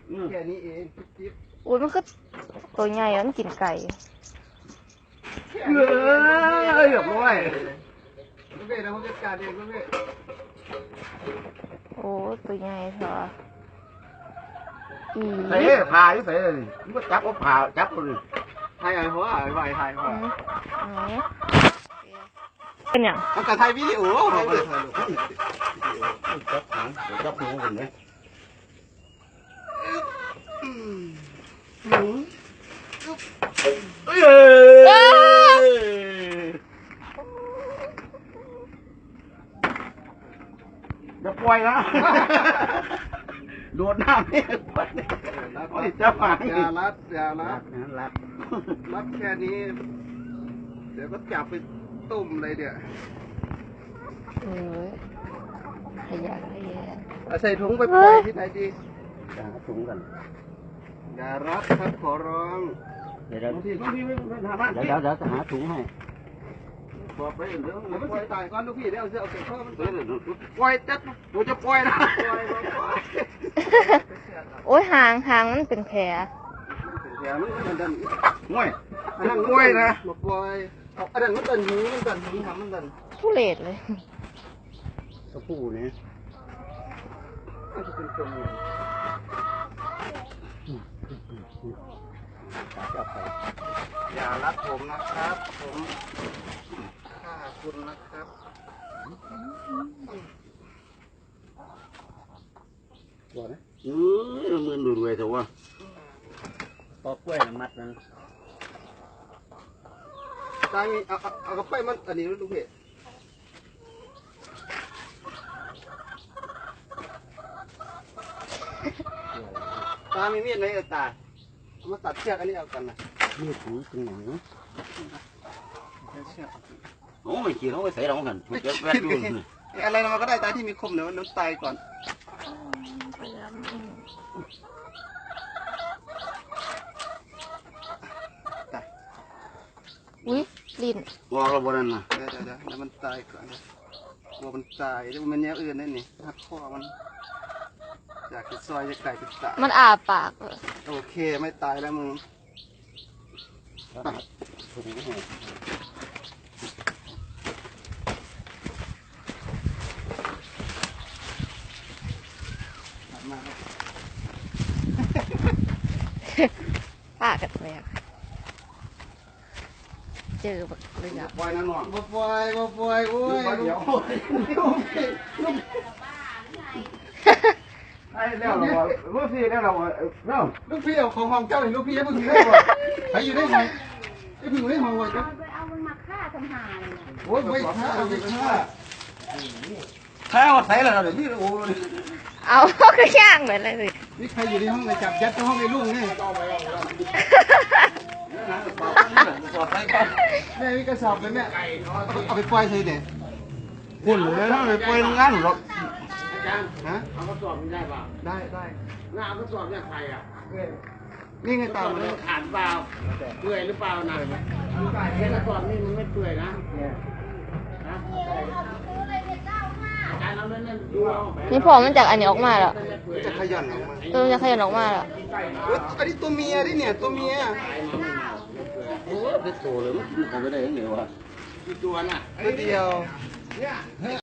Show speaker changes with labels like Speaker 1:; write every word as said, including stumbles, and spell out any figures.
Speaker 1: แค่นี้เองจิ๊บ
Speaker 2: อุ้ยมันก็ตัวใหญ่แล้วมันกินไก่
Speaker 1: เฮ้ยเรียบร้อยลูกเบ้นะผมจัดการเองลูกเบ้
Speaker 2: โอ้ตัวใหญ่เถอะอี
Speaker 3: ใส่ผ่าอยู่ใส่เลยมันก็จับเอาผ่าจับเลย
Speaker 1: ไทยอะไรหัวอะไรไทยหัว
Speaker 2: อืมอืมเป็นอย่าง
Speaker 1: เอาแต่ไทยวิดีโอเขาไปเลย
Speaker 3: จับหางเดี๋ยวจับหูกันเลยเอ้ยอย่าปล่อยนะโดดน้ำนี่โอ้ยจับหาง
Speaker 1: อย่ารัดอย่ารั
Speaker 3: รั
Speaker 1: ด
Speaker 3: กนะรัก
Speaker 1: รัดแค่นี้ เดี๋ยวก็จับไปตุ่มเลยเดี๋ยว
Speaker 2: เอ้ยขยะขยะ
Speaker 1: เอาใส่ถุงไปปล่อยที่ไหนดี
Speaker 3: จะหาถุงกัน
Speaker 1: อย่ารัดครับขอร้อง
Speaker 3: เดี๋ยวเดี๋ยว
Speaker 1: บางทีบางทีไม่ไม่หาบ้าน
Speaker 3: เดี๋ยวเดี๋ยวเดี๋ยวจะหาถุงให้
Speaker 1: บอกไปเดี๋ยวมันปล่อยตายก่อนลูกพี่เดี๋ยวเอาเสื้อเอาเก็บข้อมันปล่อยจัดกูจะปล่อยนะปล่อยปล่อย
Speaker 2: โอ้ยหางหางมันเป็นแผล
Speaker 1: แถวนี้มันดัน
Speaker 3: ง่วย
Speaker 1: อันนั้นกล้วยนะมาปล่อยเอาอันนั้นมันดันหูมันดันหูทำมันดัน
Speaker 2: ทุเรศเลย
Speaker 3: ตัวผู้นี่
Speaker 1: มันจะเป็นตัวเมีย
Speaker 3: จับไป
Speaker 1: อย่ารัดผมนะครับ ผมฆ่าคุณนะครับ
Speaker 3: ตัวนะเออเงินรวยๆแต่ว่าปอกกล้วยมัดนะ
Speaker 1: ตามีเอาเอาเอากระไปมันอันนี้ลูกพี่ตามีมีดไหมตาเอามาตัดเชือกอันนี้เอากันนะ
Speaker 3: นี่ถุงเป็นอย่างนี้
Speaker 1: เชือก
Speaker 3: โอ้ไม่กินเขาไปใส่เรากันมันจะแวดรุ่นนี่
Speaker 1: อะไรมันก็ได้ตาที่มีคมเดี๋ยวมันตายก่อนตาย
Speaker 2: อุ้ยลิ้น
Speaker 3: วางเราบนนั้นนะ
Speaker 1: เดี๋ยวเดี๋ยวเดี๋ยวเดี๋ยวมันตายก่อนกลัวมันตายเดี๋ยวมันแนวอื่นได้นี่หักคอมันจากจะซอยจะไก่จะตาย
Speaker 2: มันอาปากเลย
Speaker 1: โอเคไม่ตายแล้วมึง
Speaker 3: ถุงให้
Speaker 1: มาครับ
Speaker 2: ปากกันแตกเจอแบบเลยอ่ะ
Speaker 3: ปล่อยนั่นหน่อย
Speaker 1: บ่ปล่อยบ่ปล่อยโอ้ย
Speaker 3: เดี๋ยว ไอ้แล้วเราลูกพี่แล้วเราเนาะ
Speaker 1: ลูกพี่เอาของห้องเจ้าหรือลูกพี่ยังไม่ถึงได้บ่ใครอยู่ในห้องไอ้พี่อยู่ในห้องไว้ครับ
Speaker 4: เอามันมาฆ่าทำหาเลยนะ
Speaker 1: โอ้ยไม่ฆ่าไม่ฆ่า
Speaker 3: ถ้าเอาใส่แล้วเดี๋ยวพี่โอ้ย
Speaker 2: เอาก็ย่างไปเลยสิ
Speaker 1: นี่ใครอยู่ในห้องเลยจับยัดในห้องในลูกนี่
Speaker 3: สอดใส่ก่อน
Speaker 1: แม่มีกระสอบเลยแม่เอาไปปล่อยใส่เด็ด
Speaker 3: หุ่นเลยถ้าไปปล่อยงานหรอก
Speaker 1: ฮะ
Speaker 5: เอากระสอบมันได้เปล่า
Speaker 1: ได้ได้
Speaker 5: หน้าเอากระสอบเนี่ยใครอ่ะ
Speaker 1: นี่ไง
Speaker 5: กระส
Speaker 1: ตา
Speaker 5: อ
Speaker 1: ม
Speaker 5: บ
Speaker 1: เล
Speaker 5: มันขาดเปล่าเปื่อยหรือเปล่านะแค่กระสอบนี่มันไม่เปื่อยนะนะอาจารย์เอาเล่นๆดูเอา
Speaker 2: นี่พอมันจากอันนี้ออกมาแล้ว
Speaker 1: จะขยันออกมา
Speaker 2: เออจะขยันออกมาแล้ว
Speaker 1: เฮ้ยอันนี้ตัวเมียดิเนี่ยตัวเมีย
Speaker 3: โอ้ยเป็นโตเลยมันกินของไปได้ยังไงวะ
Speaker 5: กี่ตัวน่ะ
Speaker 1: ตัวเดียว